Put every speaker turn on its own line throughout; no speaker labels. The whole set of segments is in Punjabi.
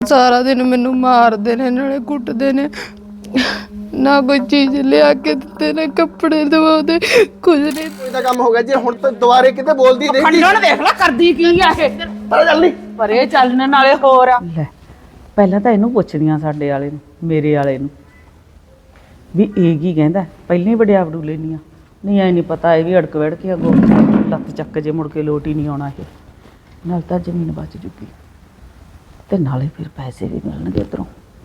ਸਾਰਾ ਦਿਨ ਮੈਨੂੰ ਮਾਰਦੇ ਨੇ, ਨਾਲੇ ਕੁੱਟਦੇ ਨੇ, ਨਾ ਕੋਈ ਚੀਜ਼ ਲਿਆ ਕੇ ਦਿੱਤੇ, ਨਾ ਕੱਪੜੇ ਦਵਾਉਂਦੇ, ਕੁਝ ਨਹੀਂ।
ਕੋਈ ਤਾਂ ਕੰਮ ਹੋ ਗਿਆ ਜੀ। ਹੁਣ ਤਾਂ ਦੁਬਾਰੇ ਕਿਤੇ ਬੋਲਦੀ ਦੇਖੀ
ਖੰਡਣ ਦੇਖ ਲੈ ਕਰਦੀ ਕੀ ਆ ਇਹ।
ਪਰ ਚੱਲ ਨਹੀਂ
ਪਰੇ ਚੱਲਣ ਨਾਲੇ ਹੋਰ ਆ ਲੈ। ਪਹਿਲਾਂ ਤਾਂ ਇਹਨੂੰ ਪੁੱਛਦੀਆਂ ਸਾਡੇ ਵਾਲੇ ਨੂੰ, ਮੇਰੇ ਵਾਲੇ ਨੂੰ, ਵੀ ਇਹ ਕੀ ਕਹਿੰਦਾ। ਪਹਿਲਾਂ ਹੀ ਵਡਿਆ ਵਡੂ ਲੈਣੀ ਆ, ਨਹੀਂ ਐ ਨਹੀਂ ਪਤਾ ਇਹ ਵੀ ਅੜਕ ਵੜ ਕੇ ਅੱਗੋਂ ਲੱਤ ਚੱਕ ਜੇ ਮੁੜ ਕੇ ਲੋਟ ਹੀ ਨਹੀਂ ਆਉਣਾ। ਇਹ ਨਾਲ ਤਾਂ ਜ਼ਮੀਨ ਬਚ ਜੂਗੀ ਤੇ ਨਾਲੇ ਫਿਰ ਪੈਸੇ ਵੀ ਮਿਲਣਗੇ ਉੱਧਰੋਂ।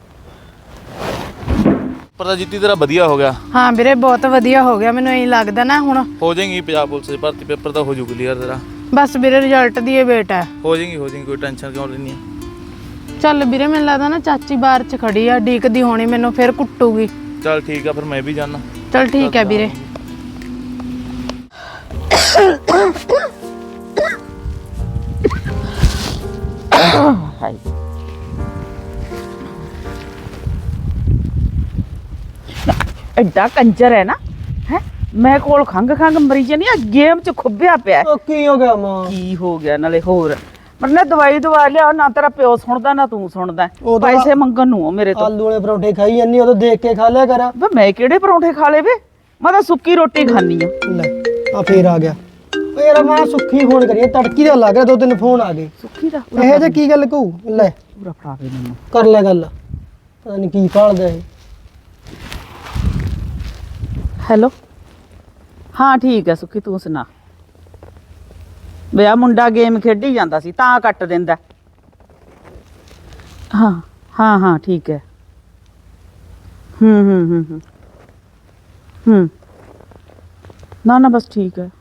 ਪਰ ਤਾਂ ਜਿੱਤੀ ਤੇਰਾ ਵਧੀਆ ਹੋ ਗਿਆ।
ਹਾਂ ਵੀਰੇ ਬਹੁਤ ਵਧੀਆ ਹੋ ਗਿਆ, ਮੈਨੂੰ ਇਹੀ ਲੱਗਦਾ ਨਾ ਹੁਣ
ਹੋ ਜਾਏਗੀ ਪੰਜਾਬ ਪੁਲਿਸ ਦੀ ਭਰਤੀ, ਪੇਪਰ ਤਾਂ ਹੋ ਜੂ ਕਲੀਅਰ ਤੇਰਾ।
ਬਸ ਵੀਰੇ ਰਿਜ਼ਲਟ ਦੀ ਇਹ ਵੇਟ ਹੈ।
ਹੋ ਜਾਏਗੀ ਕੋਈ ਟੈਨਸ਼ਨ ਕਿਉਂ ਲੈਣੀ ਹੈ।
ਚੱਲ ਵੀਰੇ ਮੈਨੂੰ ਲੱਗਦਾ ਨਾ ਚਾਚੀ ਬਾਹਰ 'ਚ ਖੜੀ ਆ, ਡੀਕਦੀ ਹੋਣੀ ਮੈਨੂੰ, ਫਿਰ ਕੁੱਟੂਗੀ।
ਚੱਲ ਠੀਕ ਆ ਫਿਰ ਮੈਂ ਵੀ ਜਾਣਾ।
ਚੱਲ ਠੀਕ ਹੈ ਵੀਰੇ।
ਐਡਾ ਕੰਜਰ ਹੈ ਨਾ ਹੈ। ਮੈਂ ਕੋਲ ਖੰਗ ਮਰੀ ਜਾਨੀ ਆ, ਗੇਮ ਚ ਖੁੱਬਿਆ ਪਿਆ।
ਕੀ ਹੋ ਗਿਆ ਮਾਂ?
ਕੀ ਹੋ ਗਿਆ ਨਾਲੇ ਹੋਰ ਮਰਨੇ ਦਵਾਈ ਦਵਾ ਲਿਆ, ਨਾ ਤੇਰਾ ਪਿਓ ਸੁਣਦਾ ਨਾ ਤੂੰ ਸੁਣਦਾ। ਪੈਸੇ ਮੰਗਣ ਨੂੰ ਮੇਰੇ ਤੋਂ।
ਆਲੂ ਵਾਲੇ ਪਰੌਂਠੇ ਖਾਈ ਜਾਂਦੀ, ਉਦੋਂ ਦੇਖ ਕੇ ਖਾ ਲਿਆ ਕਰ।
ਵੇ ਮੈਂ ਕਿਹੜੇ ਪਰੌਂਠੇ ਖਾ ਲਏ ਵੇ, ਮੈਂ ਤਾਂ ਸੁੱਕੀ ਰੋਟੀ ਖਾਣੀ ਆ।
ਲੈ ਆ ਫੇਰ ਆ ਗਿਆ। ਓ ਯਾਰ ਮਾਂ ਸੁੱਖੀ ਫੋਨ ਕਰੀਏ, ਤੜਕੀ ਦਾ ਲੱਗ ਰਿਹਾ, 2-3 ਫੋਨ ਆ ਗਏ।
ਸੁੱਕੀ ਦਾ
ਇਹ ਜੇ ਕੀ ਗੱਲ ਕਹੂ? ਲੈ
ਪੂਰਾ ਫੜਾ ਦੇ ਮੈਨੂੰ।
ਕਰ ਲੈ ਗੱਲ, ਪਤਾ ਨਹੀਂ ਕੀ ਭਾਲਦਾ ਇਹ।
ਹੈਲੋ ਹਾਂ ਠੀਕ ਹੈ ਸੁੱਕੀ, ਤੂੰ ਸੁਣਾ। ਵੇ ਆ ਮੁੰਡਾ ਗੇਮ ਖੇਡੀ ਜਾਂਦਾ ਸੀ ਤਾਂ ਕੱਟ ਦਿੰਦਾ। ਹਾਂ ਹਾਂ ਹਾਂ ਠੀਕ ਹੈ। ਹੂੰ ਨਾ ਨਾ ਬਸ ਠੀਕ ਹੈ।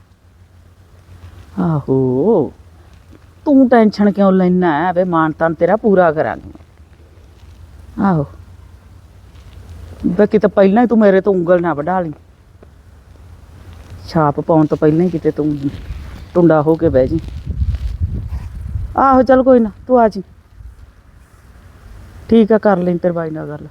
ਆਹੋ ਤੂੰ ਟੈਨਸ਼ਨ ਕਿਉਂ ਲੈਣਾ ਹੈ ਵੇ, ਮਾਨ ਤਾਨ ਤੇਰਾ ਪੂਰਾ ਕਰਾਂਗੇ। ਆਹੋ ਬਾਕੀ ਤਾਂ ਪਹਿਲਾਂ ਹੀ ਤੂੰ ਮੇਰੇ ਤੋਂ ਉਂਗਲ ਨਾ ਵਢਾ ਲਈ। ਛਾਪ ਪਾਉਣ ਤੋਂ ਪਹਿਲਾਂ ਹੀ ਕਿਤੇ ਤੂੰ ਟੁੰਡਾ ਹੋ ਕੇ ਬਹਿ ਜੀ। ਆਹੋ ਚੱਲ ਕੋਈ ਨਾ ਤੂੰ ਆ ਜੀ। ਠੀਕ ਆ ਕਰ ਲਈ ਤੇਰੇ ਬਾਈ ਨਾਲ ਗੱਲ।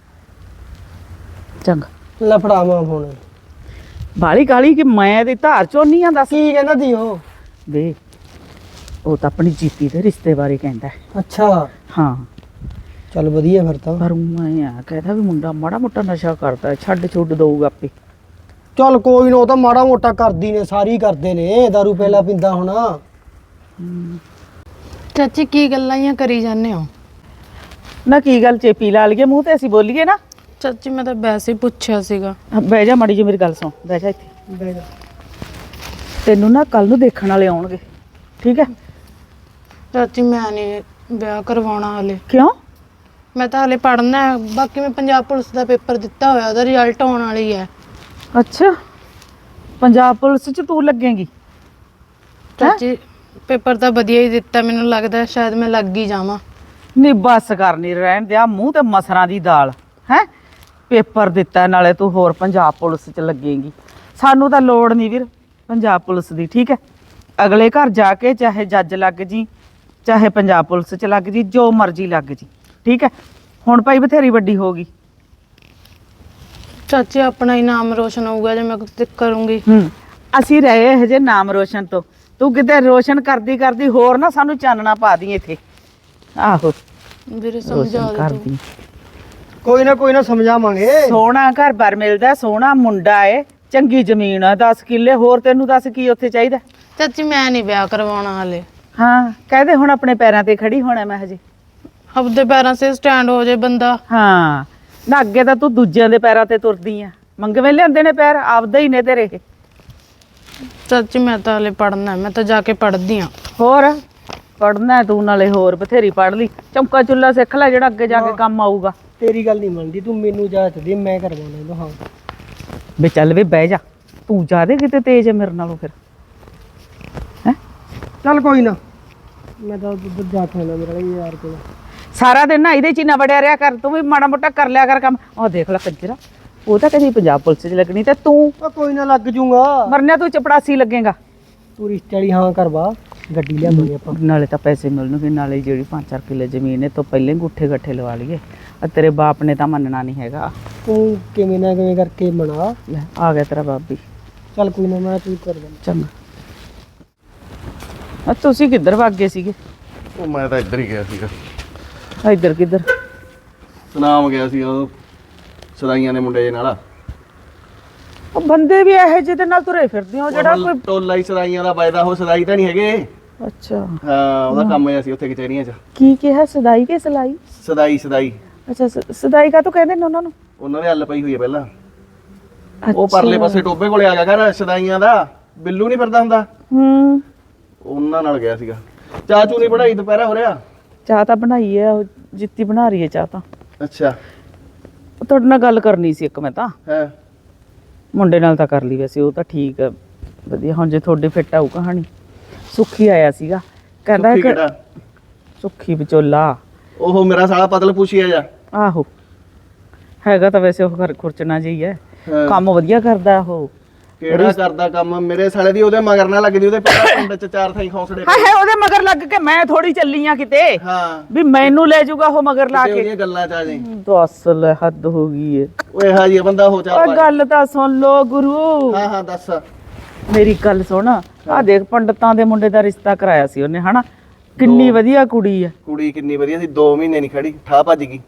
ਚੰਗਾ
ਲੈ ਫੜਾ ਮਾਂ ਫੋਨ।
ਬਾਲੀ ਗਾਲੀ ਕਿ ਮੈਂ ਦੀ ਧਾਰ ਚੋਂ ਨਹੀਂ ਆ। ਦੱਸ
ਕੀ ਕਹਿੰਦਾ ਦੀ ਉਹ?
ਵੇ ਉਹ ਤਾਂ ਆਪਣੀ ਜੀਤੀ ਦੇ ਰਿਸ਼ਤੇ ਬਾਰੇ ਕਹਿੰਦਾ।
ਅੱਛਾ
ਹਾਂ
ਚੱਲ ਵਧੀਆ ਫਿਰ ਤਾਂ।
ਪਰ ਮੈਂ ਆ ਕਹਿੰਦਾ ਵੀ ਮੁੰਡਾ ਮਾੜਾ ਮੋਟਾ ਨਸ਼ਾ ਕਰਦਾ, ਛੱਡ ਛੁੱਡ ਦਊਗਾ ਆਪੇ।
ਚੱਲ ਕੋਈ ਨਾ, ਉਹ ਤਾਂ ਮਾੜਾ ਮੋਟਾ ਕਰਦੀ ਨੇ, ਸਾਰੀ ਕਰਦੇ ਨੇ। ਦਾਰੂ ਪਹਿਲਾਂ ਪੀਂਦਾ ਹੋਣਾ।
ਚਾਚੀ ਕੀ ਗੱਲਾਂ ਹੀ ਕਰੀ ਜਾਂਦੇ ਹੋ?
ਨਾ ਕੀ ਗੱਲ ਚੇਪੀ ਲਾ ਲਈਏ ਮੂੰਹ ਤੇ, ਅਸੀਂ ਬੋਲੀਏ ਨਾ।
ਚਾਚੀ ਮੈਂ ਤਾਂ ਵੈਸੇ ਹੀ ਪੁੱਛਿਆ ਸੀਗਾ।
ਬਹਿ ਜਾ ਮਾੜੀ ਜੀ ਮੇਰੀ ਗੱਲ ਸੁਣ, ਬਹਿ ਜਾ ਇੱਥੇ। ਤੈਨੂੰ ਨਾ ਕੱਲ ਨੂੰ ਦੇਖਣ ਵਾਲੇ ਆਉਣਗੇ, ਠੀਕ ਹੈ?
ਚਾਚੀ ਮੈਂ ਨਹੀਂ ਵਿਆਹ ਕਰਵਾਉਣਾ ਹਲੇ।
ਕਿਉਂ?
ਮੈਂ ਤਾਂ ਹਲੇ ਪੜ੍ਹਨਾ ਹੈ। ਬਾਕੀ ਮੈਂ ਪੰਜਾਬ ਪੁਲਿਸ ਦਾ ਪੇਪਰ ਦਿੱਤਾ ਹੋਇਆ, ਉਹਦਾ ਰਿਜ਼ਲਟ ਆਉਣ ਵਾਲੀ ਹੈ।
ਅੱਛਾ ਪੰਜਾਬ ਪੁਲਿਸ ਚ ਤੂੰ ਲੱਗੇਂਗੀ?
ਚਾਚੀ ਪੇਪਰ ਤਾਂ ਵਧੀਆ ਹੀ ਦਿੱਤਾ, ਮੈਨੂੰ ਲੱਗਦਾ ਸ਼ਾਇਦ ਮੈਂ ਲੱਗ ਹੀ ਜਾਵਾਂ।
ਨਹੀਂ ਬਸ ਕਰਨੀ ਰਹਿਣ ਦਿਆ, ਮੂੰਹ ਤੇ ਮਸਰਾਂ ਦੀ ਦਾਲ ਹੈ। ਪੇਪਰ ਦਿੱਤਾ ਨਾਲੇ ਤੂੰ ਹੋਰ ਪੰਜਾਬ ਪੁਲਿਸ ਚ ਲੱਗੇਂਗੀ। ਸਾਨੂੰ ਤਾਂ ਲੋੜ ਨਹੀਂ ਵੀਰ ਪੰਜਾਬ ਪੁਲਿਸ ਦੀ, ਠੀਕ ਹੈ? ਅਗਲੇ ਘਰ ਜਾ ਕੇ ਚਾਹੇ ਜੱਜ ਲੱਗ ਜੀ, ਚਾਹੇ ਪੰਜਾਬ ਪੁਲਿਸ ਚ ਲੱਗ ਜੀ, ਜੋ ਮਰਜ਼ੀ ਲੱਗ ਜੀ, ਠੀਕ ਹੈ? ਹੁਣ ਭਾਈ ਬਥੇਰੀ ਵੱਡੀ ਹੋ ਗਈ।
ਚਾਚੀ ਆਪਣਾ ਹੀ ਨਾਮ ਰੋਸ਼ਨ ਹੋਊਗਾ ਜੇ ਮੈਂ ਕੁਝ ਕਰੂੰਗੀ।
ਅਸੀਂ ਰਹੇ ਇਹ ਜੇ ਨਾਮ ਰੋਸ਼ਨ ਤੋਂ, ਤੂੰ ਕਿਤੇ ਰੋਸ਼ਨ ਕਰਦੀ ਕਰਦੀ ਹੋਰ ਨਾ ਸਾਨੂੰ ਚਾਨਣਾ ਪਾ ਦੀ ਇੱਥੇ। ਆਹੋ
ਵੀਰੇ ਸਮਝਾ ਦੇ ਤੂੰ।
ਕੋਈ ਨਾ ਸਮਝਾਵਾਂਗੇ।
ਸੋਹਣਾ ਘਰ ਬਾਰ ਮਿਲਦਾ, ਸੋਹਣਾ ਮੁੰਡਾ ਏ, ਚੰਗੀ ਜ਼ਮੀਨ ਆ, 10 ਕਿੱਲੇ ਹੋਰ ਤੈਨੂੰ ਦੱਸ ਕੀ ਉੱਥੇ ਚਾਹੀਦਾ?
ਚਾਚੀ ਮੈਂ ਨਹੀਂ ਵਿਆਹ ਕਰਵਾਉਣਾ ਹਲੇ।
ਹਾਂ ਕਹਦੇ ਹੁਣ ਆਪਣੇ ਪੈਰਾਂ ਤੇ ਖੜੀ ਹੋਣਾ ਮੈਂ ਹਜੇ।
ਆਪਦੇ ਪੈਰਾਂ 'ਤੇ ਸਟੈਂਡ ਹੋ ਜੇ ਬੰਦਾ।
ਹਾਂ ਨਾ ਅੱਗੇ ਤਾਂ ਤੂੰ ਦੂਜਿਆਂ ਦੇ ਪੈਰਾਂ ਤੇ ਤੁਰਦੀ ਆ, ਮੰਗਵੇਂ ਲਿਆਂਦੇ ਨੇ ਪੈਰ, ਆਪਦੇ ਹੀ ਨੇ ਤੇਰੇ।
ਚਾਚੀ ਮੈਂ ਤਾਂ ਹਲੇ ਪੜ੍ਹਨਾ, ਮੈਂ ਤਾਂ ਜਾ ਕੇ ਪੜ੍ਹਦੀ ਆ।
ਹੋਰ ਪੜ੍ਹਨਾ ਤੂੰ, ਨਾਲੇ ਹੋਰ ਬਥੇਰੀ ਪੜ੍ਹ ਲਈ। ਚੌਂਕਾ ਚੁੱਲਾ ਸਿੱਖ ਲੈ ਜਿਹੜਾ ਅੱਗੇ ਜਾ ਕੇ ਕੰਮ ਆਊਗਾ।
ਤੇਰੀ ਗੱਲ ਨਹੀਂ ਮੰਨਦੀ ਤੂੰ, ਮੈਨੂੰ ਜਾਚ ਦੇ, ਮੈਂ ਕਰਵਾਉਣਾ ਇਹਨੂੰ। ਹਾਂ
ਵੇ ਚੱਲ ਵੇ ਬਹਿ ਜਾ, ਤੂੰ ਜਾਦੇ ਕਿਤੇ ਤੇਜ਼ ਹੈ ਮੇਰੇ ਨਾਲੋਂ ਫਿਰ ਹੈ।
ਚੱਲ ਕੋਈ ਨਾ, ਮੈਂ ਤਾਂ ਉੱਧਰ ਜਾ ਕੇ ਆਉਣਾ ਮੇਰਾ ਯਾਰ ਕੋਲ।
ਸਾਰਾ ਦਿਨ ਨਾ ਇਹਦੇ ਚ ਹੀ ਨਾ ਵੜਿਆ ਰਿਹਾ ਕਰ, ਤੂੰ ਵੀ ਮਾੜਾ ਮੋਟਾ ਕਰ ਲਿਆ ਕਰ ਕੰਮ। ਉਹ ਦੇਖ ਲੈ ਕੰਜਰਾ, ਉਹ ਤਾਂ ਕਦੀ ਪੰਜਾਬ ਪੁਲਿਸ ਚ ਲੱਗਣੀ ਤੇ ਤੂੰ
ਕੋਈ ਨਾ ਲੱਗ ਜੂਗਾ।
ਮਰਨਿਆ ਤੂੰ ਚਪੜਾਸੀ ਲੱਗੇਗਾ।
ਤੂੰ ਰਿਸ਼ਤੇ ਵਾਲੀ ਹਾਂ ਕਰਵਾ, ਗੱਡੀ ਲਿਆਵਾਂਗੇ ਆਪਾਂ।
ਨਾਲੇ ਤਾਂ ਪੈਸੇ ਮਿਲਣਗੇ, ਨਾਲੇ ਜਿਹੜੀ 5-4 ਕਿੱਲੇ ਜ਼ਮੀਨ ਹੈ ਤੋਂ ਪਹਿਲਾਂ ਗੁੱਠੇ ਗੱਠੇ ਲਵਾ ਲਈਏ। ਤੇਰੇ ਬਾਪ ਨੇ ਤਾਂ ਮੰਨਣਾ ਨਹੀਂ ਹੈਗਾ।
ਤੂੰ ਕਿਵੇਂ ਨਾ ਕਿਵੇਂ ਕਰਕੇ ਬਣਾ।
ਲੈ ਆ ਗਿਆ ਤੇਰਾ ਬਾਬੀ।
ਚੱਲ ਕੋਈ ਨਾ, ਮੈਂ ਤੂੰ ਕਰ ਦਿੰਦਾ।
ਚੰਗਾ। ਤੁਸੀਂ ਕਿੱਧਰ ਭੱਗ ਗਏ ਸੀਗੇ?
ਉਹ ਮੈਂ ਤਾਂ ਇੱਧਰ ਹੀ ਗਿਆ ਸੀਗਾ।
ਇੱਧਰ ਕਿੱਧਰ?
ਸੁਨਾਮ ਗਿਆ ਸੀ ਉਹ ਸਦਾਈਆਂ ਦੇ ਮੁੰਡੇ ਨਾਲ।
ਉਹ ਬੰਦੇ ਵੀ ਇਹੋ ਜਿਹੇ ਦੇ ਨਾਲ ਤੁਰੇ ਫਿਰਦੇ ਹੋ ਜਿਹੜਾ ਕੋਈ
ਟੋਲਾ ਹੀ ਸਦਾਈਆਂ ਦਾ ਵੱਜਦਾ, ਉਹ ਸਦਾਈ ਤਾਂ ਨਹੀਂ ਹੈਗੇ।
ਅੱਛਾ
ਹਾਂ ਉਹਦਾ ਕੰਮ ਹੈ, ਅਸੀਂ ਉੱਥੇ ਕਚਹਿਰੀਆਂ 'ਚ
ਕੀ ਕਿਹਾ? ਸਦਾਈ ਕੇ ਸਲਾਈ?
ਸਦਾਈ
ਅੱਛਾ ਸਦਾਈ ਕਾ ਤੂੰ ਕਹਿੰਦੇ ਨੇ ਉਹਨਾਂ ਨੂੰ?
ਉਹਨਾਂ ਦੇ ਹੱਲ ਪਈ ਹੋਈ ਹੈ ਪਹਿਲਾਂ। ਉਹ ਪਰਲੇ ਪਾਸੇ ਟੋਬੇ ਕੋਲੇ ਆ ਗਿਆ ਘਰ ਸਦਾਈਆਂ ਦਾ, ਬਿੱਲੂ ਨਹੀਂ ਫਿਰਦਾ ਹੁੰਦਾ, ਉਹਨਾਂ ਨਾਲ ਗਿਆ ਸੀਗਾ। ਚਾਚੂ ਨੇ ਪੜਾਈ ਦੁਪਹਿਰਾ ਹੋ ਰਿਹਾ।
ਚਾਹ ਤਾਂ ਬਣਾਈ ਹੈ, ਉਹ ਜਿੱਤੀ ਬਣਾ ਰਹੀ ਹੈ ਚਾਹ ਤਾਂ।
ਅੱਛਾ
ਉਹ ਤੁਹਾਡੇ ਨਾਲ ਗੱਲ ਕਰਨੀ ਸੀ ਇੱਕ ਮੈਂ ਤਾਂ।
ਹੈ
ਮੁੰਡੇ ਨਾਲ ਤਾਂ ਕਰ ਲਈ ਵੈਸੇ, ਉਹ ਤਾਂ ਠੀਕ ਹੈ ਵਧੀਆ। ਹੁਣ ਜੇ ਤੁਹਾਡੇ ਫਿੱਟ ਆਊ ਕਹਾਣੀ। ਸੁੱਖੀ ਆਇਆ ਸੀਗਾ, ਕਹਿੰਦਾ
ਸੁੱਖੀ
ਕਿ
ਕਿਹੜਾ?
ਸੁੱਖੀ ਵਿਚੋਲਾ।
ਉਹ ਮੇਰਾ ਸਾਲਾ ਪਤਲ ਪੁੱਛਿਆ ਜਾ।
ਆਹੋ ਹੈਗਾ ਤਾਂ ਵੈਸੇ ਉਹ ਘਰ ਖੁਰਚਣਾ ਜਿਹੀ ਹੈ,
ਹਾਂ।
ਕੰਮ ਵਧੀਆ ਕਰਦਾ ਉਹ।
ਕਿਹੜਾ ਕਰਦਾ ਕੰਮ? ਮੇਰੇ ਸਾਲੇ ਦੀ ਉਹਦੇ ਮਗਰ ਨਾ ਲੱਗਦੀ, ਉਹਦੇ ਪਹਿਲਾਂ ਪਿੰਡ 'ਚ 4 ਥਾਈ ਖੌਂਸੜੇ
ਹਾਏ ਹਾਏ ਉਹਦੇ ਮਗਰ ਲੱਗ ਕੇ ਮੈਂ ਥੋੜੀ ਚੱਲੀ ਆ ਕਿਤੇ
ਹਾਂ
ਵੀ ਮੈਨੂੰ ਲੈ ਜਾਊਗਾ ਉਹ ਮਗਰ ਲਾ
ਕਿਤੇ
ਕੇ।
ਉਹਦੀਆਂ ਗੱਲਾਂ 'ਚ ਆ ਜਾਈਂ।
ਦੱਸ ਲੈ ਹੱਦ ਹੋ ਗਈ ਏ।
ਓਏ ਹਾਂ ਜੀ ਬੰਦਾ ਹੋ
ਓਏ
ਚੱਲ।
ਗੱਲ ਤਾਂ ਸੁਣ ਲੋ ਗੁਰੂ,
ਹਾਂ ਹਾਂ ਦੱਸ।
ਮੇਰੀ ਗੱਲ ਸੁਣ। ਆ ਦੇਖ ਪੰਡਤਾਂ ਦੇ ਮੁੰਡੇ ਦਾ ਰਿਸ਼ਤਾ ਕਰਾਇਆ ਸੀ ਉਹਨੇ, ਹਨਾ? ਕਿੰਨੀ ਵਧੀਆ ਕੁੜੀ ਆ।
ਕੁੜੀ ਕਿੰਨੀ ਵਧੀਆ ਸੀ, 2 ਮਹੀਨੇ ਨਹੀਂ ਖੜੀ, ਠਾ ਭੱਜ ਗਈ।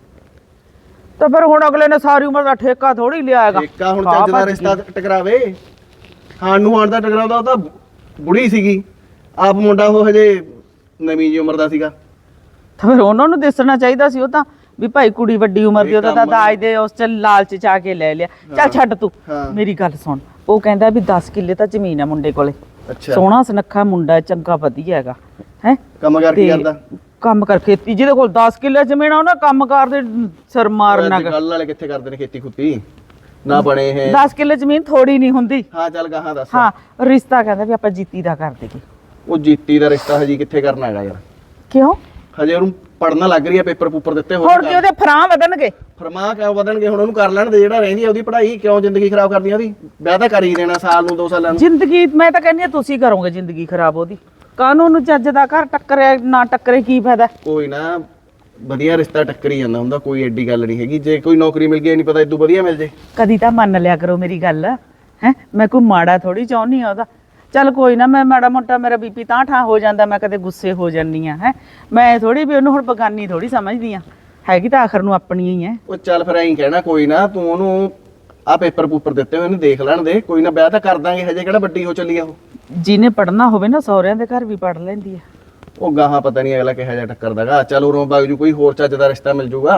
ਤਾਂ ਫਿਰ ਹੁਣ ਅਗਲੇ ਨੇ ਸਾਰੀ ਉਮਰ ਦਾ ਠੇਕਾ ਥੋੜੀ ਲਿਆ ਹੈਗਾ।
ਠੇਕਾ ਹੁਣ ਚੱਜ ਦਾ ਰਿਸ਼ਤਾ ਟਕਰਾਵੇ। ਹਾਣ ਨੂੰ ਹਾਣ ਦਾ ਟਕਰਾਉਂਦਾ, ਉਹ ਤਾਂ ਬੁੜੀ ਸੀਗੀ, ਆਪ ਮੁੰਡਾ ਉਹ ਹਜੇ ਨਵੀਂ ਜੀ ਉਮਰ ਦਾ ਸੀਗਾ।
ਤਾਂ ਫਿਰ ਉਹਨਾਂ ਨੂੰ ਦੱਸਣਾ ਚਾਹੀਦਾ ਸੀ ਉਹ ਤਾਂ, ਵੀ ਭਾਈ ਕੁੜੀ ਵੱਡੀ ਉਮਰ ਦੀ, ਉਹਦਾ ਤਾਂ ਦਾਜ ਦੇ ਉਸ ਚ ਲਾਲਚ ਚ ਆ ਕੇ ਲੈ ਲਿਆ। ਚੱਲ ਛੱਡ ਤੂੰ,
ਹਾਂ।
ਮੇਰੀ ਗੱਲ ਸੁਣ। ਉਹ ਕਹਿੰਦਾ ਵੀ 10 ਕਿੱਲੇ ਤਾਂ ਜ਼ਮੀਨ ਆ ਮੁੰਡੇ ਕੋਲੇ,
ਅੱਛਾ
ਸੋਹਣਾ ਸੁਨੱਖਾ ਮੁੰਡਾ, ਚੰਗਾ ਵਧੀਆ ਹੈਗਾ ਹੈ।
ਕੰਮ ਕਰ ਕੀ ਕਰਦਾ?
ਕੰਮ ਕਰ ਖੇਤੀ, ਜਿਹਦੇ ਕੋਲ 10 ਕਿੱਲੇ ਜ਼ਮੀਨ ਆ ਉਹਨਾਂ ਕੰਮ ਕਾਰ ਦੇ ਸਿਰ ਮਾਰਨਾ।
ਗੱਲ ਵਾਲੇ ਕਿੱਥੇ ਕਰਦੇ ਨੇ ਖੇਤੀ ਖੁੱਤੀ ਨਾ ਬਣੇ ਇਹ।
10 ਕਿੱਲੇ ਜ਼ਮੀਨ ਥੋੜੀ ਨਹੀਂ ਹੁੰਦੀ।
ਹਾਂ ਚੱਲ ਗਾਹਾਂ ਦੱਸ।
ਹਾਂ ਰਿਸ਼ਤਾ ਕਹਿੰਦਾ ਵੀ ਆਪਾਂ ਜੀਤੀ ਦਾ ਕਰ ਦੇਗੇ।
ਉਹ ਜੀਤੀ ਦਾ ਰਿਸ਼ਤਾ ਹਜੀ ਕਿੱਥੇ ਕਰਨਾ ਹੈਗਾ ਯਾਰ?
ਕਿਉਂ?
ਹਜੇ ਉਹਨੂੰ ਪੜਨਾ ਲੱਗ ਰਹੀ ਹੈ, ਪੇਪਰ ਪੂਪਰ ਦਿੱਤੇ ਹੋਏ।
ਹੁਣ ਕਿ ਉਹਦੇ ਫਰਾਂ ਵਧਣਗੇ?
ਫਰਮਾ ਕਿਉਂ ਵਧਣਗੇ? ਹੁਣ ਉਹਨੂੰ ਕਰ ਲੈਣ ਦੇ, ਜਿਹੜਾ ਰਹਿੰਦੀ ਹੈ ਉਹਦੀ ਪੜ੍ਹਾਈ। ਕਿਉਂ ਜ਼ਿੰਦਗੀ ਖਰਾਬ ਕਰਨੀ ਉਹਦੀ? ਵਿਆਹ ਤਾਂ ਕਰ ਹੀ ਦੇਣਾ ਸਾਲ ਨੂੰ 2 ਸਾਲਾਂ ਨੂੰ।
ਜ਼ਿੰਦਗੀ ਮੈਂ ਤਾਂ ਕਹਿੰਦੀ ਆ ਤੁਸੀਂ ਕਰੋਗੇ ਜ਼ਿੰਦਗੀ ਖਰਾਬ ਉਹਦੀ। ਕਾਨੂੰਨ ਨੂੰ ਚੱਜ ਦਾ ਘਰ ਟੱਕਰੇ ਨਾ ਟੱਕਰੇ ਕੀ ਫਾਇਦਾ?
ਕੋਈ ਨਾ ਵਧੀਆ ਰਿਸ਼ਤਾ ਟੱਕਰੀ ਜਾਂਦਾ ਹੁੰਦਾ, ਕੋਈ ਐਡੀ ਗੱਲ ਨਹੀਂ ਹੈਗੀ। ਜੇ ਕੋਈ ਨੌਕਰੀ ਮਿਲ ਗਈ ਨਹੀਂ ਪਤਾ ਇਦੋਂ ਵਧੀਆ ਮਿਲ ਜੇ।
ਕਦੀ ਤਾਂ ਮੰਨ ਲਿਆ ਕਰੋ ਮੇਰੀ ਗੱਲ ਹੈ। ਮੈਂ ਕੋਈ ਮਾੜਾ ਥੋੜੀ ਚਾਹੁੰਦੀ ਆ ਉਹਦਾ। ਚੱਲ ਕੋਈ ਨਾ, ਮੈਂ ਮਾੜਾ ਮੋਟਾ ਮੇਰਾ ਬੀਪੀ ਤਾਂ ਠਾਂ ਹੋ ਜਾਂਦਾ, ਮੈਂ ਕਦੇ ਗੁੱਸੇ ਹੋ ਜਾਂਦੀ ਆ। ਮੈਂ ਥੋੜੀ ਵੀ ਉਹਨੂੰ ਹੁਣ ਬਗਾਨੀ ਥੋੜੀ ਸਮਝਦੀ ਆ, ਹੈਗੀ ਤਾਂ ਆਖਰ ਨੂੰ ਆਪਣੀ ਹੀ ਹੈ।
ਉਹ ਚੱਲ ਫਿਰ ਐਂ ਕਹਿਣਾ, ਕੋਈ ਨਾ ਤੂੰ ਉਹਨੂੰ ਆ ਪੇਪਰ ਪੂਪਰ ਦਿੱਤੇ ਹੋਏ ਇਹਨੂੰ ਦੇਖ ਲੈਣ ਦੇ, ਕੋਈ ਨਾ ਵਿਆਹ ਤਾਂ ਕਰ ਦਾਂਗੇ। ਹਜੇ ਕਿਹੜਾ ਵੱਡੀ ਹੋ ਚੱਲੀ ਆ ਉਹ।
ਜਿਹਨੇ ਪੜਨਾ ਹੋਵੇ ਨਾ ਸਹੁਰਿਆਂ ਦੇ ਘਰ ਵੀ ਪੜ ਲੈਂਦੀ ਆ।
ਉਹ ਗਾਹਾਂ ਪਤਾ ਨਹੀਂ ਅਗਲਾ ਕਿਹੋ ਜਿਹਾ ਟੱਕਰਦਾਗਾ। ਚੱਲ ਉਰੋਂ ਬਾਗ ਜੂ ਕੋਈ ਹੋਰ ਚੱਜ ਦਾ ਰਿਸ਼ਤਾ ਮਿਲ ਜੂਗਾ।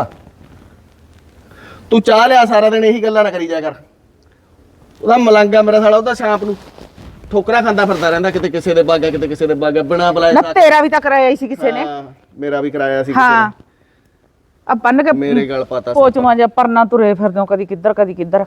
ਤੂੰ ਚਾਹ ਲਿਆ, ਸਾਰਾ ਦਿਨ ਇਹੀ ਗੱਲਾਂ ਨਾ ਕਰੀ ਜਾ ਕਰ। ਉਹਦਾ ਮਲੰਗਾ ਮੇਰਾ ਸਾਲਾ, ਉਹਦਾ ਸ਼ਾਮ ਨੂੰ ਠੋਕਰਾ ਖਾਂਦਾ ਫਿਰਦਾ ਰਹਿੰਦਾ, ਕਿਤੇ ਕਿਸੇ ਦੇ ਬਾਗਾ ਕਿਤੇ ਕਿਸੇ ਦੇ ਬਾਗਾ, ਬਿਨਾ ਬੁਲਾਏ।
ਨਾ ਤੇਰਾ ਵੀ ਤਾਂ ਕਰਾਇਆ ਹੀ ਸੀ ਕਿਸੇ ਨੇ।
ਹਾਂ ਮੇਰਾ ਵੀ ਕਰਾਇਆ ਸੀ ਕਿਸੇ
ਹਾਂ
ਨੇ।
ਆ ਬੰਨ ਕੇ
ਮੇਰੇ ਗੱਲ ਪਤਾ
ਪੋਚਵਾਂ ਜਾਂ ਪਰਨਾ ਤੁਰੇ ਫਿਰਦੇ ਹੋ, ਕਦੀ ਕਿੱਧਰ ਕਦੀ ਕਿੱਧਰ।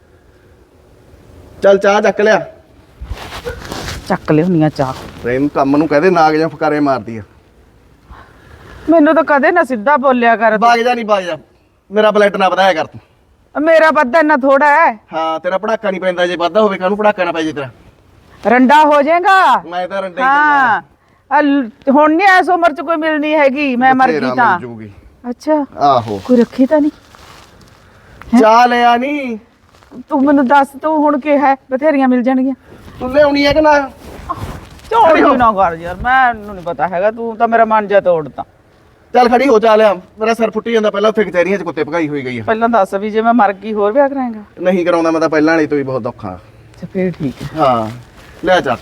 ਚੱਲ ਚਾਹ ਚੱਕ ਲਿਆ।
ਚੱਕ ਲਿਆਉਣੀ ਆ ਚਾਹ।
ਪ੍ਰੇਮ ਕੰਮ ਨੂੰ ਕਹਦੇ ਨਾਗ ਜਾਂ ਫਕਾਰੇ ਮਾਰਦੀ ਆ।
ਮੈਨੂੰ ਤਾਂ ਕਦੇ ਨਾ ਸਿੱਧਾ ਬੋਲਿਆ ਕਰ।
ਬਾਗ ਜਾ ਨਹੀਂ ਬਾਗ ਜਾ, ਮੇਰਾ ਬਲੱਡ ਨਾ ਵਧਾਇਆ ਕਰ ਤੂੰ।
ਮੇਰਾ ਵੱਧਾ ਇੰਨਾ ਥੋੜਾ ਹੈ।
ਹਾਂ ਤੇਰਾ ਪੜਾਕਾ ਨਹੀਂ ਪੈਂਦਾ, ਜੇ ਵਾਧਾ ਹੋਵੇ ਕਾਹਨੂੰ ਪੜਾਕਾ ਨਾ ਪੈ ਜੇ ਤੇਰਾ।
ਰੰਡਾ ਹੋ ਜਾਏਗਾ।
ਮੈਂ ਤਾਂ ਰੰਡੇ ਹੀ
ਹਾਂ ਹੁਣ ਨਹੀਂ ਐਸ ਉਮਰ ਚ ਕੋਈ ਮਿਲਣੀ ਹੈਗੀ, ਮੈਂ ਮਰ ਗਈ ਤਾਂ। ਅੱਛਾ
ਆਹੋ
ਕੋਈ ਰੱਖੀ ਤਾਂ ਨਹੀਂ?
ਚਾਹ ਲਿਆ ਨਹੀਂ
ਤੂੰ ਮੈਨੂੰ ਦੱਸ, ਤੂੰ ਹੁਣ ਕੀ ਹੈ? ਬਥੇਰੀਆਂ ਮਿਲ ਜਾਣਗੀਆਂ।
ਤੂੰ ਲਿਆਉਣੀ ਹੈ ਕਿ ਨਾ?
ਝੋਲੀ ਨਾ ਕਰ ਯਾਰ, ਮੈਨੂੰ ਨਹੀਂ ਪਤਾ ਹੈਗਾ, ਤੂੰ ਤਾਂ ਮੇਰਾ ਮਨ ਜਾ ਤੋੜਦਾ।
ਚੱਲ ਖੜੀ ਹੋ, ਚਾਹ ਲਿਆ। ਮੇਰਾ ਸਿਰ ਫੁੱਟੀ ਜਾਂਦਾ, ਪਹਿਲਾਂ ਉੱਥੇ ਕਚਹਿਰੀਆਂ 'ਚ ਕੁੱਤੇ ਭਗਾਈ ਹੋਈ ਗਈ ਆ।
ਪਹਿਲਾਂ ਦੱਸ ਵੀ ਜੇ ਮੈਂ ਮਰ ਗਈ ਹੋਰ ਵਿਆਹ ਕਰਾਂਗਾ?
ਨਹੀਂ ਕਰਾਉਂਦਾ ਮੈਂ ਤਾਂ, ਪਹਿਲਾਂ ਵਾਲੀ ਤੋਂ ਵੀ ਬਹੁਤ ਔਖਾ।
ਅੱਛਾ ਫੇਰ ਠੀਕ ਹੈ।
ਹਾਂ ਲੈ ਚੱਲ।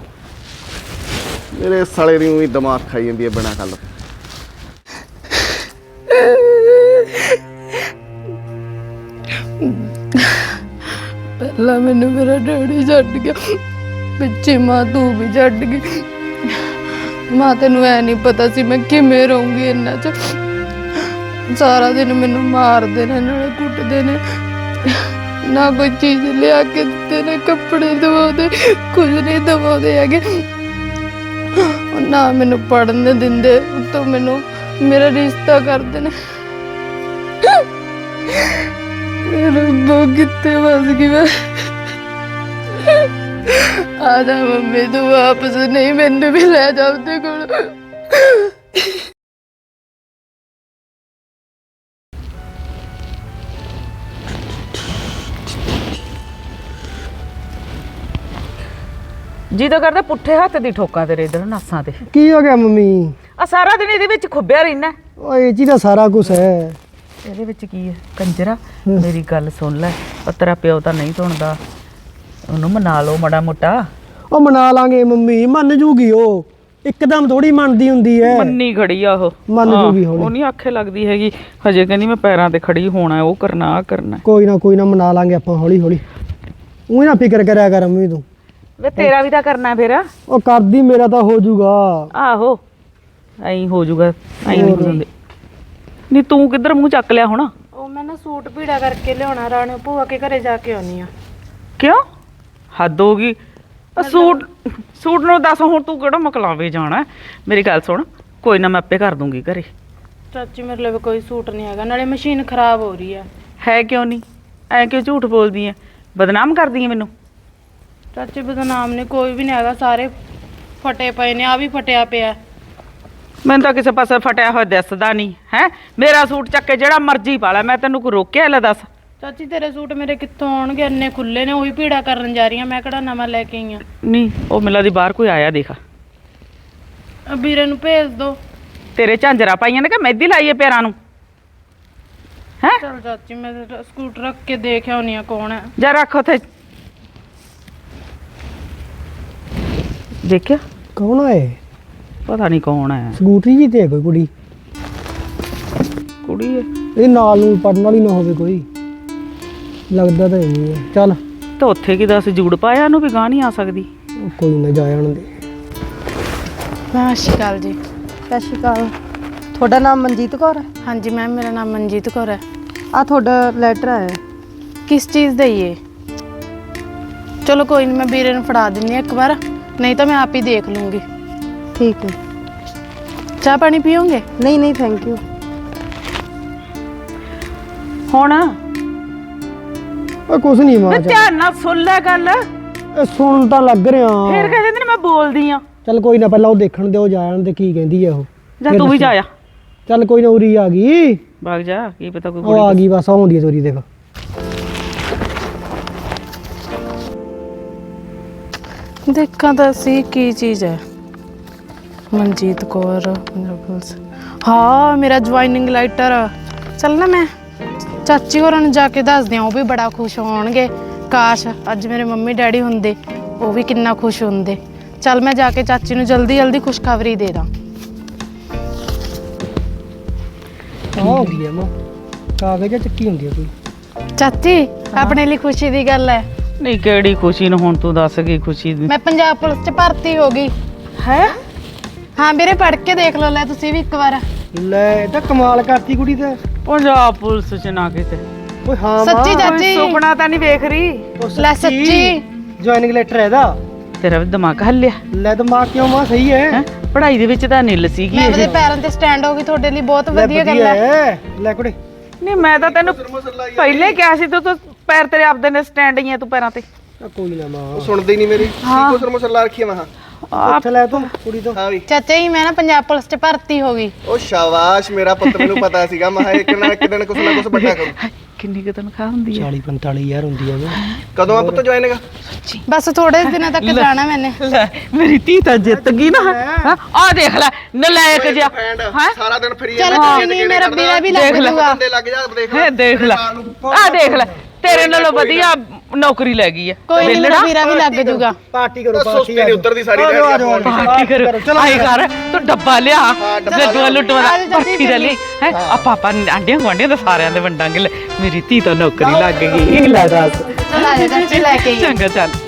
ਮੇਰੇ ਸਾਲੇ ਦੀ ਵੀ ਦਿਮਾਗ ਖਾਈ ਜਾਂਦੀ ਹੈ ਬਿਨਾਂ ਗੱਲ ਤੋਂ।
ਪਹਿਲਾਂ ਮੈਨੂੰ ਮੇਰਾ ਡੈਡੀ ਛੱਡ ਗਿਆ, ਪਿੱਛੇ ਮਾਂ ਤੂੰ ਵੀ ਛੱਡ ਗਈ। ਮਾਂ ਤੈਨੂੰ ਐ ਨਹੀਂ ਪਤਾ ਸੀ ਮੈਂ ਕਿਵੇਂ ਰਹੂੰਗੀ ਇਹਨਾਂ 'ਚ। ਸਾਰਾ ਦਿਨ ਮੈਨੂੰ ਮਾਰਦੇ ਨੇ, ਨਾਲੇ ਕੁੱਟਦੇ ਨੇ, ਨਾ ਕੋਈ ਚੀਜ਼ ਲਿਆ ਕੇ ਦਿੱਤੇ ਨੇ, ਕੱਪੜੇ ਦਵਾਉਂਦੇ, ਕੁਝ ਨਹੀਂ ਦਵਾਉਂਦੇ ਹੈਗੇ, ਨਾ ਮੈਨੂੰ ਪੜ੍ਹਨ ਦਿੰਦੇ, ਉੱਤੋਂ ਮੈਨੂੰ ਮੇਰਾ ਰਿਸ਼ਤਾ ਕਰਦੇ ਨੇ। ਰੱਬਾ ਕਿੱਥੇ ਫਸ ਗਈ ਮੈਂ। ਆ ਜਾ ਮੰਮੀ ਤੂੰ ਵਾਪਸ, ਨਹੀਂ ਮੈਨੂੰ ਵੀ ਲੈ ਜਾ ਉਹਦੇ ਕੋਲ।
ਜੀ ਤਾਂ ਕਰਦਾ ਪੁੱਠੇ ਹੱਥ ਦੀ ਠੋਕਾਂ ਤੇਰੇ ਇਧਰ ਨਾਸਾਂ ਤੇ।
ਕੀ ਹੋ ਗਿਆ ਮੰਮੀ?
ਆ ਸਾਰਾ ਦਿਨ ਇਹਦੇ ਵਿੱਚ ਖੁੱਬਿਆ ਰਹਿਣਾ।
ਓਏ ਇਹ 'ਚ ਤਾਂ ਸਾਰਾ ਕੁਝ ਹੈ।
ਇਹਦੇ ਵਿੱਚ ਕੀ ਹੈ ਕੰਜਰਾ? ਮੇਰੀ ਗੱਲ ਸੁਣ ਲੈ, ਤੇਰਾ ਪਿਓ ਤਾਂ ਨਹੀਂ ਸੁਣਦਾ, ਉਹਨੂੰ ਮਨਾ ਲਓ ਮਾੜਾ ਮੋਟਾ।
ਉਹ ਮਨਾ ਲਾਂਗੇ ਮੰਮੀ, ਮੰਨ ਜੂਗੀ ਉਹ, ਇੱਕਦਮ ਥੋੜੀ ਮੰਨਦੀ ਹੁੰਦੀ ਹੈ।
ਮੰਨੀ ਖੜੀ ਆ ਉਹ,
ਮੰਨ ਜੂਗੀ ਹੌਲੀ।
ਉਹ ਨਹੀਂ ਆਖੇ ਲੱਗਦੀ ਹੈਗੀ, ਹਜੇ ਕਹਿੰਦੀ ਮੈਂ ਪੈਰਾਂ ਤੇ ਖੜੀ ਹੋਣਾ, ਉਹ ਕਰਨਾ ਆ ਕਰਨਾ।
ਕੋਈ ਨਾ ਮਨਾ ਲਾਂਗੇ ਆਪਾਂ ਹੌਲੀ ਹੌਲੀ। ਉਹ ਨਾ ਫਿਕਰ ਕਰਿਆ ਕਰ ਮੰਮੀ ਤੂੰ।
ਵੇ ਤੇਰਾ ਵੀ ਤਾਂ ਕਰਨਾ ਫਿਰ।
ਉਹ ਕਰਦੀ, ਮੇਰਾ ਤਾਂ ਹੋ ਜੂਗਾ।
ਆਹੋ ਐਂ ਹੋ ਜੂਗਾ, ਐਂ ਨਹੀਂ ਹੋ ਜਾਂਦੇ। ਨਹੀਂ ਤੂੰ ਕਿੱਧਰ ਮੂੰਹ ਚੱਕ ਲਿਆ ਹੁਣ?
ਉਹ ਮੈਂ ਨਾ ਸੂਟ ਭੀੜਾ ਕਰਕੇ ਲਿਆਉਣਾ, ਰਾਣੇ ਭੂਆ ਕੇ ਘਰੇ ਜਾ ਕੇ ਆਉਣੀ ਆ।
ਕਿਉਂ? ਹੱਦ ਹੋ ਗਈ। ਸੂਟ ਨੂੰ ਦੱਸ ਹੁਣ ਤੂੰ ਕਿਹੜਾ ਮਕਲਾਵੇ ਜਾਣਾ? ਮੇਰੀ ਗੱਲ ਸੁਣ, ਕੋਈ ਨਾ ਮੈਂ ਆਪੇ ਕਰ ਦੂੰਗੀ ਘਰੇ।
ਚਾਚੀ ਮੇਰੇ ਲਈ ਕੋਈ ਸੂਟ ਨਹੀਂ ਹੈਗਾ, ਨਾਲੇ ਮਸ਼ੀਨ ਖਰਾਬ ਹੋ ਰਹੀ
ਹੈ ਕਿਉਂ ਨਹੀਂ? ਐ ਕਿਉਂ ਝੂਠ ਬੋਲਦੀ ਐ? ਬਦਨਾਮ ਕਰਦੀ ਐ ਮੈਨੂੰ।
ਚਾਚੀ ਬਦਨਾਮ ਨੇ ਕੋਈ ਵੀ ਨਹੀਂ ਹੈਗਾ, ਸਾਰੇ ਫਟੇ ਪਏ ਨੇ, ਆ ਵੀ ਫਟਿਆ ਪਿਆ।
ਮੈਨੂੰ ਤਾਂ ਕਿਸੇ ਪਾਸੇ ਫਟਿਆ ਹੋਇਆ ਦਿਸਦਾ ਨਹੀਂ ਹੈ। ਮੇਰਾ ਸੂਟ ਚੱਕ ਕੇ ਜਿਹੜਾ ਮਰਜ਼ੀ ਪਾ ਲੈ, ਮੈਂ ਤੈਨੂੰ ਕੋਈ ਰੋਕਿਆ? ਲੈ ਦੱਸ।
ਚਾਚੀ ਤੇਰੇ ਸੂਟ ਮੇਰੇ ਕਿੱਥੋਂ ਆਉਣਗੇ, ਇੰਨੇ ਖੁੱਲੇ ਨੇ, ਉਹੀ ਭੀੜਾ ਕਰਨ ਜਾ ਰਹੀ ਆ ਮੈਂ, ਕਿਹੜਾ ਨਵਾਂ ਲੈ ਕੇ ਆਈ ਆ।
ਨਹੀਂ ਉਹ ਮਿਲਾ ਦੀ ਬਾਹਰ ਕੋਈ ਆਇਆ ਦੇਖ।
ਵੀਰੇ ਨੂੰ ਭੇਜ ਦੋ।
ਤੇਰੇ ਝਾਂਜਰਾ ਪਾਈਆਂ ਨੇ ਕਿ ਮਹਿੰਦੀ ਲਾਈ ਐ ਪੈਰਾਂ ਨੂੰ? ਹੈ
ਚਲ ਚਾਚੀ ਮੈਂ ਸਕੂਟਰ ਰੱਖ ਕੇ ਦੇਖ ਆਉਣੀ ਆ ਕੌਣ ਹੈ।
ਜਾ ਰੱਖ ਉੱਥੇ। ਦੇਖਿਆ?
ਕੌਣ ਹੈ?
ਪਤਾ ਨਹੀਂ ਕੌਣ ਹੈ।
ਸਕੂਟਰੀ ਜੀ ਤੇ ਹੈ ਕੋਈ ਕੁੜੀ?
ਕੁੜੀ ਹੈ?
ਇਹ ਨਾਲ ਨੂੰ ਪੜਨ ਵਾਲੀ ਨਾ ਹੋਵੇ ਕੋਈ, ਲੱਗਦਾ ਤਾਂ ਨਹੀਂ ਹੈ। ਚੱਲ
ਤਾਂ ਉੱਥੇ ਕੀ ਦੱਸ ਜੂੜ ਪਾਇਆ ਉਹਨੂੰ ਵੀ ਗਾਂ ਨਹੀਂ ਆ ਸਕਦੀ।
ਕੋਈ ਨਾ, ਜਾ ਆਣ ਦੇ।
ਸਤਿ ਸ਼੍ਰੀ ਅਕਾਲ ਜੀ।
ਸਤਿ ਸ਼੍ਰੀ ਅਕਾਲ। ਤੁਹਾਡਾ ਨਾਮ ਮਨਜੀਤ ਕੌਰ ਹੈ?
ਹਾਂਜੀ ਮੈਮ, ਮੇਰਾ ਨਾਮ ਮਨਜੀਤ ਕੌਰ ਹੈ।
ਆ ਤੁਹਾਡਾ ਲੈਟਰ ਆਇਆ ਹੈ।
ਕਿਸ ਚੀਜ਼ ਦਾ ਹੀ ਹੈ? ਚਲੋ ਕੋਈ ਨਹੀਂ, ਮੈਂ ਵੀਰੇ ਨੂੰ ਫੜਾ ਦਿੰਦੀ ਹਾਂ ਇੱਕ ਵਾਰ, ਨਹੀਂ ਤਾਂ ਮੈਂ ਆਪ ਹੀ ਦੇਖ ਲੂੰਗੀ।
ਠੀਕ ਹੈ।
ਚਾਹ ਪਾਣੀ ਪੀਓਗੇ?
ਨਹੀਂ ਨਹੀਂ ਥੈਂਕ ਯੂ।
ਹੁਣ
ਓਏ ਕੁਛ ਨਹੀਂ ਮਾਂ,
ਤੇ ਧਿਆਨ ਨਾਲ ਸੁਣ ਲੈ ਗੱਲ।
ਇਹ ਸੁਣ ਤਾਂ ਲੱਗ ਰਿਹਾ।
ਫੇਰ ਕਹਿੰਦੇ ਨੇ ਮੈਂ ਬੋਲਦੀ ਆ।
ਚੱਲ ਕੋਈ ਨਾ, ਪਹਿਲਾਂ ਉਹ ਦੇਖਣ ਦਿਓ, ਜਾ ਆਣ ਦੇ ਕੀ ਕਹਿੰਦੀ ਹੈ ਉਹ।
ਜਾਂ ਤੂੰ ਵੀ ਜਾ ਆ।
ਚੱਲ ਕੋਈ ਨਾ, ਉਰੀ ਆ ਗਈ।
ਭਾਗ ਜਾ, ਕੀ ਪਤਾ ਕੋਈ
ਉਹ ਆ ਗਈ ਬਸ, ਆਉਂਦੀ ਹੈ ਤੋਰੀ ਦੇਖ।
ਦੇਖਾਂ ਤਾਂ ਸੀ ਕੀ ਚੀਜ਼ ਹੈ। ਮਨਜੀਤ ਕੌਰ ਮਿਰਕਲਸ, ਹਾਂ ਮੇਰਾ ਜੁਆਇਨਿੰਗ ਲੈਟਰ। ਚੱਲ ਨਾ ਮੈਂ ਚਾਚੀ ਹੋਰਾਂ ਨੂੰ ਜਾ ਕੇ ਦੱਸਦੀ ਹਾਂ, ਉਹ ਵੀ ਬੜਾ ਖੁਸ਼ ਹੋਣਗੇ। ਕਾਸ਼ ਅੱਜ ਮੇਰੇ ਮੰਮੀ ਡੈਡੀ ਹੁੰਦੇ, ਉਹ ਵੀ ਕਿੰਨਾ ਖੁਸ਼ ਹੁੰਦੇ। ਚੱਲ ਮੈਂ ਜਾ ਕੇ ਚਾਚੀ ਨੂੰ ਜਲਦੀ ਜਲਦੀ ਖੁਸ਼ਖਬਰੀ ਦੇ ਦਾਂ।
ਹੁੰਦੀ ਹੈ ਮਾਂ, ਕਾਗਜ਼ ਚੱਕੀ ਹੁੰਦੀ ਹੈ ਕੋਈ।
ਚਾਚੀ ਆਪਣੇ ਲਈ ਖੁਸ਼ੀ ਦੀ ਗੱਲ ਹੈ।
ਨਹੀਂ ਕਿਹੜੀ ਖੁਸ਼ੀ ਨੂੰ? ਹੁਣ ਤੂੰ ਦੱਸ ਕੀ ਖੁਸ਼ੀ ਦੀ?
ਮੈਂ ਪੰਜਾਬ ਪੁਲਿਸ 'ਚ ਭਰਤੀ ਹੋ ਗਈ
ਹੈ?
ਹਾਂ ਵੀਰੇ, ਪੜ੍ਹ ਕੇ ਦੇਖ ਲਓ, ਲੈ ਤੁਸੀਂ ਵੀ ਇੱਕ ਵਾਰ।
ਲੈ ਇਹ ਤਾਂ ਕਮਾਲ ਕਰਤੀ ਕੁੜੀ ਤੇ।
ਪੰਜਾਬ ਪੁਲਿਸ ਚ ਨਾ ਕਿਤੇ।
ਓਏ ਹਾਂ
ਸੱਚੀ
ਮਾਂ,
ਚਾਚੀ?
ਸੁਪਨਾ ਤਾਂ ਨਹੀਂ ਵੇਖ ਰਹੀ?
ਲੈ ਸੱਚੀ।
ਜੁਆਇਨਿੰਗ ਲੈਟਰ ਹੈ ਇਹਦਾ।
ਤੇਰਾ ਵੀ ਦਿਮਾਗ ਹੱਲਿਆ
ਲੈ ਦਿਮਾਗ ਕਿਉਂ ਮਾਂ, ਸਹੀ ਹੈ।
ਹੈ? ਪੜ੍ਹਾਈ ਦੇ ਵਿੱਚ ਤਾਂ ਨਿੱਲ ਸੀਗੀ
ਮੈਂ
ਇਹ।
ਆਪਣੇ ਪੈਰਾਂ ਤੇ ਸਟੈਂਡ ਹੋ ਗਈ, ਤੁਹਾਡੇ ਲਈ ਬਹੁਤ
ਲੈ
ਵਧੀਆ ਗੱਲ ਹੈ।
ਲੈ ਕੁੜੇ।
ਨਹੀਂ ਮੈਂ ਤਾਂ ਤੈਨੂੰ ਪਹਿਲੇ ਕਿਹਾ ਸੀ, ਤੂੰ ਪੈਰ ਤੇਰੇ ਆਪਦੇ ਨੇ ਸਟੈਂਡ ਹੀ ਆ, ਤੂੰ ਪੈਰਾਂ ਤੇ।
ਕੋਈ ਨਾ ਮਾਂ,
ਸੁਣਦੀ ਨਹੀਂ ਮੇਰੀ। ਕੀ ਕੁਸਰ ਮੁਸਰ ਲਾ ਰੱਖੀ ਆ ਮੈਂ?
ਉੱਥੇ ਲੈ ਤੂੰ ਕੁੜੀ ਤੋਂ।
ਹਾਂ ਵੀ।
ਚਾਚਾ ਜੀ ਮੈਂ ਨਾ ਪੰਜਾਬ ਪੁਲਿਸ 'ਚ ਭਰਤੀ ਹੋ ਗਈ।
ਉਹ ਸ਼ਾਬਾਸ਼, ਮੇਰਾ ਪੁੱਤ, ਮੈਨੂੰ ਪਤਾ ਸੀਗਾ ਮੈਂ ਇੱਕ ਨਾ ਇੱਕ ਦਿਨ ਕੁਛ ਨਾ ਕੁਛ ਵੱਡਾ ਕਰੂ।
ਕਿੰਨੀ ਕੁ ਤਨਖਾਹ ਹੁੰਦੀ ਹੈ?
40-45 ਹੁੰਦੀ ਹੈ।
ਕਦੋਂ ਆ ਪੁੱਤ ਜੁਆਇਨ ਹੈਗਾ?
ਬਸ ਥੋੜੇ ਦਿਨਾਂ ਤੱਕ ਜਾਣਾ ਮੈਨੇ।
ਲੈ ਮੇਰੀ ਧੀ ਤਾਂ ਜਿੱਤ ਗਈ ਨਾ। ਆ ਦੇਖ ਲੈ ਨਲਾਇਕ ਜਿਹਾ।
ਸਾਰਾ ਦਿਨ ਫਰੀ
ਚੱਲ ਕੋਈ ਨਹੀਂ, ਮੇਰਾ ਵੀਰਾ ਵੀ ਲੱਗ ਜੂਗਾ।
ਲੱਗ ਜਾ, ਦੇਖ
ਹੈ ਦੇਖ ਲੈ, ਆ ਦੇਖ ਲੈ, ਤੇਰੇ ਨਾਲੋਂ ਵਧੀਆ ਨੌਕਰੀ ਲੈ ਗਈ ਹੈ।
ਕੋਈ ਨਹੀਂ, ਮੇਰਾ ਵੀਰਾ ਵੀ ਲੱਗ ਜੂਗਾ।
ਪਾਰਟੀ ਕਰੋ,
ਸੁਸਤੀ
ਪਾਰਟੀ
ਨਹੀਂ ਉੱਧਰ ਦੀ ਸਾਰੀ ਦਿਹਾੜੀ।
ਪਾਰਟੀ ਕਰ, ਆਈ ਕਰ ਤੂੰ ਡੱਬਾ ਲਿਆ, ਲੱਡੂਆ ਲੁੱਟਵਾ ਪਾਰਟੀ ਦਾ ਲਈ ਹੈ। ਆ ਪਾਪਾ ਆਂਡਿਆਂ ਗੁਆਂਢੀਆਂ ਦਾ ਸਾਰਿਆਂ ਦੇ ਵੰਡਾਂਗੇ। ਮੇਰੀ ਧੀ ਤਾਂ ਨੌਕਰੀ ਲੱਗ ਗਈ। ਲੈ ਦੱਸ।
ਚਲ ਆ ਜਾ ਚਾਚੀ, ਲੈ ਕੇ ਆਈ।
ਚੰਗਾ ਚੱਲ।